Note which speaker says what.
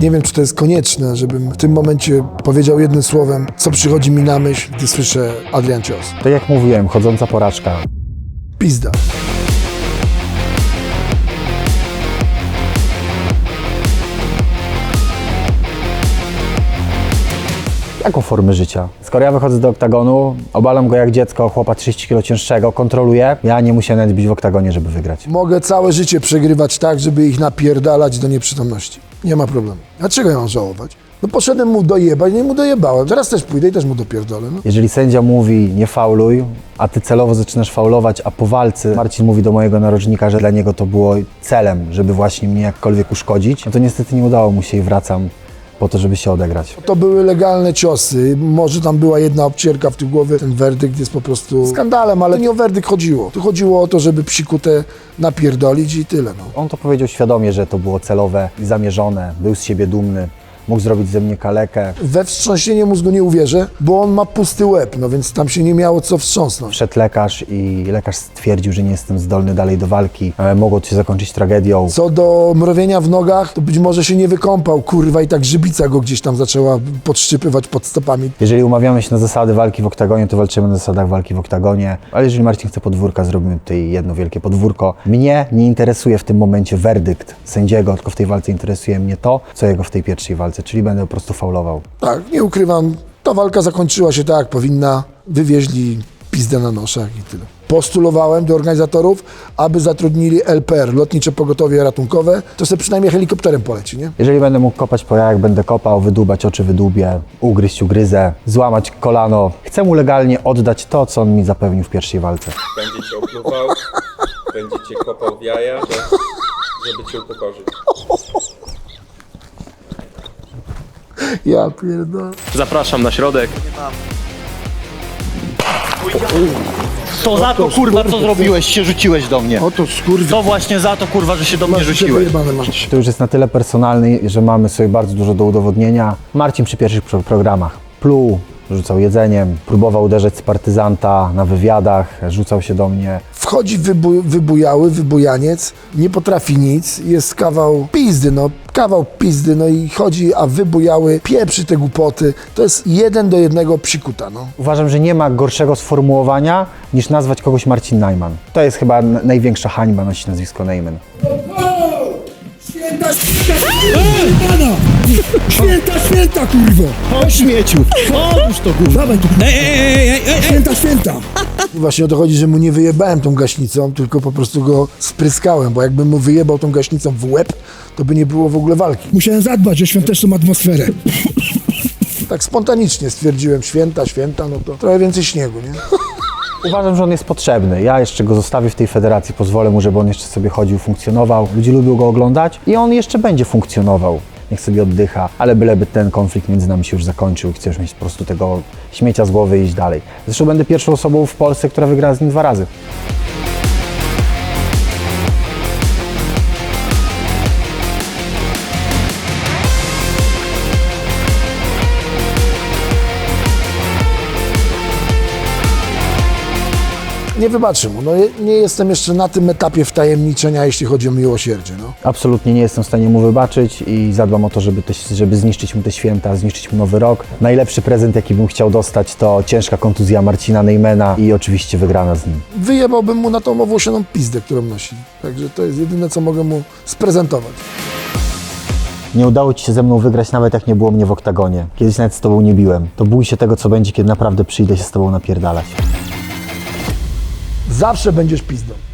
Speaker 1: Nie wiem, czy to jest konieczne, żebym w tym momencie powiedział jednym słowem, co przychodzi mi na myśl, gdy słyszę Adrian Cios.
Speaker 2: Tak jak mówiłem, chodząca porażka.
Speaker 1: Pizda.
Speaker 2: Jaką formę życia? Skoro ja wychodzę do oktagonu, obalam go jak dziecko, chłopa 30 kg cięższego, kontroluję, ja nie muszę nawet być w oktagonie, żeby wygrać.
Speaker 1: Mogę całe życie przegrywać tak, żeby ich napierdalać do nieprzytomności. Nie ma problemu. Dlaczego ja mam żałować? No poszedłem mu dojebać, no i mu dojebałem. Teraz też pójdę i też mu dopierdolę. No.
Speaker 2: Jeżeli sędzia mówi nie fauluj, a ty celowo zaczynasz faulować, a po walce Marcin mówi do mojego narożnika, że dla niego to było celem, żeby właśnie mnie jakkolwiek uszkodzić, no to niestety nie udało mu się i wracam po to, żeby się odegrać.
Speaker 1: To były legalne ciosy. Może tam była jedna obcierka w tył głowy. Ten werdykt jest po prostu skandalem, ale nie o werdykt chodziło. Tu chodziło o to, żeby psikutę napierdolić i tyle. No.
Speaker 2: On to powiedział świadomie, że to było celowe i zamierzone, był z siebie dumny, mógł zrobić ze mnie kalekę.
Speaker 1: We wstrząsienie mózgu nie uwierzę, bo on ma pusty łeb, no więc tam się nie miało co wstrząsnąć.
Speaker 2: Wszedł lekarz i lekarz stwierdził, że nie jestem zdolny dalej do walki. Mogło to się zakończyć tragedią.
Speaker 1: Co do mrowienia w nogach, to być może się nie wykąpał, kurwa, i tak grzybica go gdzieś tam zaczęła podszczypywać pod stopami.
Speaker 2: Jeżeli umawiamy się na zasady walki w oktagonie, to walczymy na zasadach walki w oktagonie. Ale jeżeli Marcin chce podwórka, zrobimy tutaj jedno wielkie podwórko. Mnie nie interesuje w tym momencie werdykt sędziego, tylko w tej walce interesuje mnie to, co jego w tej pierwszej walce, czyli będę po prostu faulował.
Speaker 1: Tak, nie ukrywam, ta walka zakończyła się tak, jak powinna. Wywieźli pizdę na noszach i tyle. Postulowałem do organizatorów, aby zatrudnili LPR, Lotnicze Pogotowie Ratunkowe, to sobie przynajmniej helikopterem poleci, nie?
Speaker 2: Jeżeli będę mógł kopać po jajach, będę kopał, wydłubać oczy, wydłubię, ugryźć, ugryzę, złamać kolano. Chcę mu legalnie oddać to, co on mi zapewnił w pierwszej walce.
Speaker 3: Będzie cię opluwał, będzie cię kopał w jaja, żeby cię upokorzyć.
Speaker 1: Ja pierdolę.
Speaker 3: Zapraszam na środek.
Speaker 4: To za to kurwa co zrobiłeś, się rzuciłeś do mnie.
Speaker 1: Oto skurwy.
Speaker 4: To właśnie za to kurwa, że się do mnie rzuciłeś.
Speaker 1: Wyjebane masz.
Speaker 2: To już jest na tyle personalny, że mamy sobie bardzo dużo do udowodnienia. Marcin przy pierwszych programach pluł, rzucał jedzeniem, próbował uderzać z partyzanta na wywiadach, rzucał się do mnie.
Speaker 1: Wchodzi wybujaniec, nie potrafi nic, jest kawał pizdy, no i chodzi, a wybujały, pieprzy te głupoty. To jest 1:1 psikuta, no.
Speaker 2: Uważam, że nie ma gorszego sformułowania niż nazwać kogoś Marcin Najman. To jest chyba największa hańba nosić nazwisko Najman.
Speaker 1: Święta, święta, kurwo!
Speaker 4: O śmieciu! Otóż to kurwa!
Speaker 1: Dawaj tu, święta! Właśnie o to chodzi, że mu nie wyjebałem tą gaśnicą, tylko po prostu go spryskałem, bo jakbym mu wyjebał tą gaśnicą w łeb, to by nie było w ogóle walki.
Speaker 5: Musiałem zadbać o świąteczną atmosferę.
Speaker 1: Tak spontanicznie stwierdziłem, święta, no to trochę więcej śniegu, nie?
Speaker 2: Uważam, że on jest potrzebny. Ja jeszcze go zostawię w tej federacji, pozwolę mu, żeby on jeszcze sobie chodził, funkcjonował. Ludzie lubią go oglądać i on jeszcze będzie funkcjonował. Niech sobie oddycha, ale byleby ten konflikt między nami się już zakończył i chcę już mieć po prostu tego śmiecia z głowy i iść dalej. Zresztą będę pierwszą osobą w Polsce, która wygrała z nim 2 razy.
Speaker 1: Nie wybaczę mu, no nie jestem jeszcze na tym etapie wtajemniczenia, jeśli chodzi o miłosierdzie, no.
Speaker 2: Absolutnie nie jestem w stanie mu wybaczyć i zadbam o to, żeby zniszczyć mu te święta, zniszczyć mu nowy rok. Najlepszy prezent, jaki bym chciał dostać, to ciężka kontuzja Marcina Najmana i oczywiście wygrana z nim.
Speaker 1: Wyjebałbym mu na tą owłosioną pizdę, którą nosi. Także to jest jedyne, co mogę mu sprezentować.
Speaker 2: Nie udało ci się ze mną wygrać, nawet jak nie było mnie w oktagonie. Kiedyś nawet z tobą nie biłem. To bój się tego, co będzie, kiedy naprawdę przyjdę się z tobą napierdalać.
Speaker 1: Zawsze będziesz pizdą.